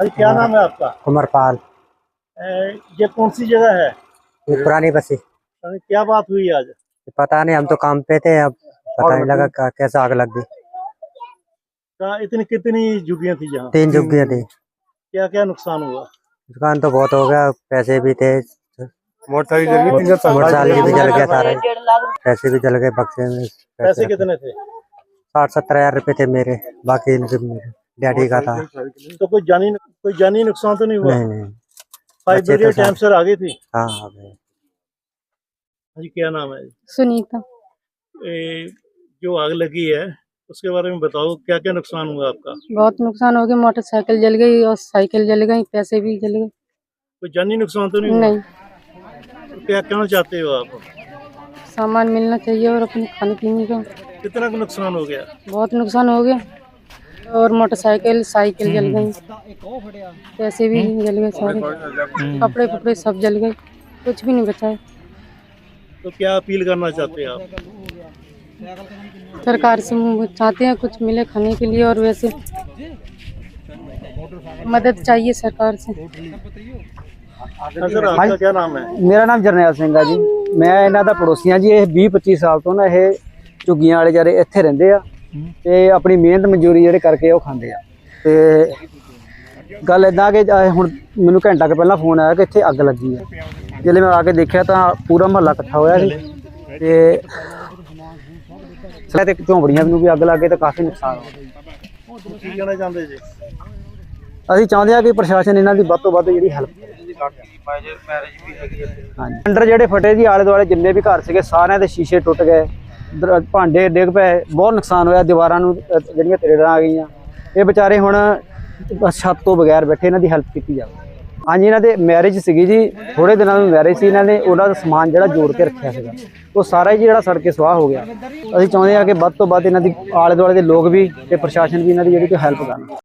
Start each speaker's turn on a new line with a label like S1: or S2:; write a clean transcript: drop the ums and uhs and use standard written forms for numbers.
S1: अरे क्या नाम है आपका?
S2: उमरपाल।
S1: ये कौन सी जगह है?
S2: ये पुरानी बसी।
S1: अरे क्या बात हुई आज?
S2: पता नहीं, हम तो काम पे थे, अब पता नहीं लगा कैसे आग लग गई।
S1: इतनी कितनी झुग्गियां थी यहाँ?
S2: 3 झुग्गियां थी।
S1: क्या क्या नुकसान हुआ?
S2: दुकान तो बहुत हो गया, पैसे भी थे, मोटरसाइकिल भी जल गया सारा, पैसे भी जल गए बक्से में।
S1: पैसे कितने थे?
S2: 60-70 हजार रुपए थे मेरे, बाकी मेरे डैडी का था।
S1: तो कोई जानी नुकसान तो नहीं हुआ?
S2: नहीं नहीं,
S1: फायर
S2: बच्चे तो
S1: ब्रिगेड टाइम से आ गई थी?
S2: हाँ आ गए।
S1: जी क्या नाम है?
S3: सुनीता।
S1: जो आग लगी है उसके बारे में बताओ, क्या क्या नुकसान हुआ आपका?
S3: बहुत नुकसान हो गया, मोटरसाइकिल जल गई और साइकिल जल गई, पैसे भी जल गए।
S1: कोई जानी नुकसान तो नहीं हुआ?
S3: नहीं।
S1: तो क्या कहना चाहते हो आप?
S3: सामान मिलना चाहिए और अपने खाने पीने का।
S1: कितना का नुकसान हो गया?
S3: बहुत नुकसान हो गया, और मोटरसाइकिल साइकिल जल गई, पैसे भी जल गए सारे, कपड़े फपड़े सब जल गए, कुछ भी नहीं बचा है।
S1: तो क्या अपील करना चाहते हैं आप?
S3: सरकार से चाहते हैं कुछ मिले खाने के लिए, और वैसे मदद चाहिए सरकार से।
S1: सर आपका क्या नाम है?
S4: मेरा नाम जरनैल सिंह है जी। मैं ਇਹਨਾਂ ਦਾ ਪੜੋਸੀ ਹਾਂ ਜੀ। ਇਹ 20-25 ਸਾਲ ਤੋਂ ਨਾ ਇਹ ਝੁੱਗੀਆਂ ਵਾਲੇ ਜਿਹੜੇ ਇੱਥੇ ਰਹਿੰਦੇ ਆ ਤੇ ਆਪਣੀ ਮਿਹਨਤ ਮਜ਼ਦੂਰੀ ਜਿਹੜੇ ਕਰਕੇ ਉਹ ਖਾਂਦੇ ਆ। ਤੇ ਗੱਲ ਇਦਾਂ ਕਿ ਹੁਣ ਮੈਨੂੰ ਘੰਟਾ ਕੁ ਪਹਿਲਾਂ ਫੋਨ ਆਇਆ ਕਿ ਇੱਥੇ ਅੱਗ ਲੱਗੀ ਆ। ਜਦੋਂ ਮੈਂ ਆ ਕੇ ਦੇਖਿਆ ਤਾਂ ਪੂਰਾ ਮਹੱਲਾ ਇਕੱਠਾ ਹੋਇਆ ਸੀ ਤੇ ਸਾਰੇ ਤੇ ਝੌਂਪੜੀਆਂ ਨੂੰ ਵੀ ਅੱਗ ਲੱਗ ਗਈ ਤੇ ਕਾਫੀ ਨੁਕਸਾਨ ਹੋ ਗਿਆ।
S1: ਕੀ ਕਹਿਣਾ ਚਾਹੁੰਦੇ ਜੀ?
S4: ਅਸੀਂ ਚਾਹੁੰਦੇ ਹਾਂ ਕਿ ਪ੍ਰਸ਼ਾਸਨ ਇਹਨਾਂ ਦੀ ਵੱਧ ਤੋਂ ਵੱਧ ਜਿਹੜੀ ਹੈਲਪ ਕਰੇ। ਹਾਂਜੀ, ਅੰਡਰ ਜਿਹੜੇ ਫਟੇ ਜੀ ਆਲੇ ਦੁਆਲੇ ਜਿੰਨੇ ਵੀ ਘਰ ਸੀਗੇ ਸਾਰਿਆਂ ਦੇ ਸ਼ੀਸ਼ੇ ਟੁੱਟ ਗਏ, ਭਾਂਡੇ ਡਿੱਗ ਪਏ, ਬਹੁਤ ਨੁਕਸਾਨ ਹੋਇਆ। ਦੀਵਾਰਾਂ ਨੂੰ ਜਿਹੜੀਆਂ ਤਰੇੜਾਂ ਆ ਗਈਆਂ। ਇਹ ਵਿਚਾਰੇ ਹੁਣ ਛੱਤ ਤੋਂ ਬਗੈਰ ਬੈਠੇ, ਇਹਨਾਂ ਦੀ ਹੈਲਪ ਕੀਤੀ ਜਾਵੇ। ਹਾਂਜੀ, ਇਹਨਾਂ ਦੇ ਮੈਰਿਜ ਸੀਗੀ ਜੀ, ਥੋੜੇ ਦਿਨਾਂ ਨੂੰ ਮੈਰਿਜ ਸੀ। ਇਹਨਾਂ ਨੇ ਉਹਨਾਂ ਦਾ ਸਮਾਨ ਜਿਹੜਾ ਜੋੜ ਕੇ ਰੱਖਿਆ ਸੀਗਾ ਉਹ ਸਾਰਾ ਹੀ ਜਿਹੜਾ ਸੜ ਕੇ ਸੁਆਹ ਹੋ ਗਿਆ। ਅਸੀਂ ਚਾਹੁੰਦੇ ਹਾਂ ਕਿ ਵੱਧ ਤੋਂ ਵੱਧ ਇਹਨਾਂ ਦੀ ਆਲੇ ਦੁਆਲੇ ਦੇ ਲੋਕ ਵੀ ਤੇ ਪ੍ਰਸ਼ਾਸਨ ਵੀ ਇਹਨਾਂ ਦੀ ਜਿਹੜੀ ਕੋਈ ਹੈਲਪ ਕਰਨ।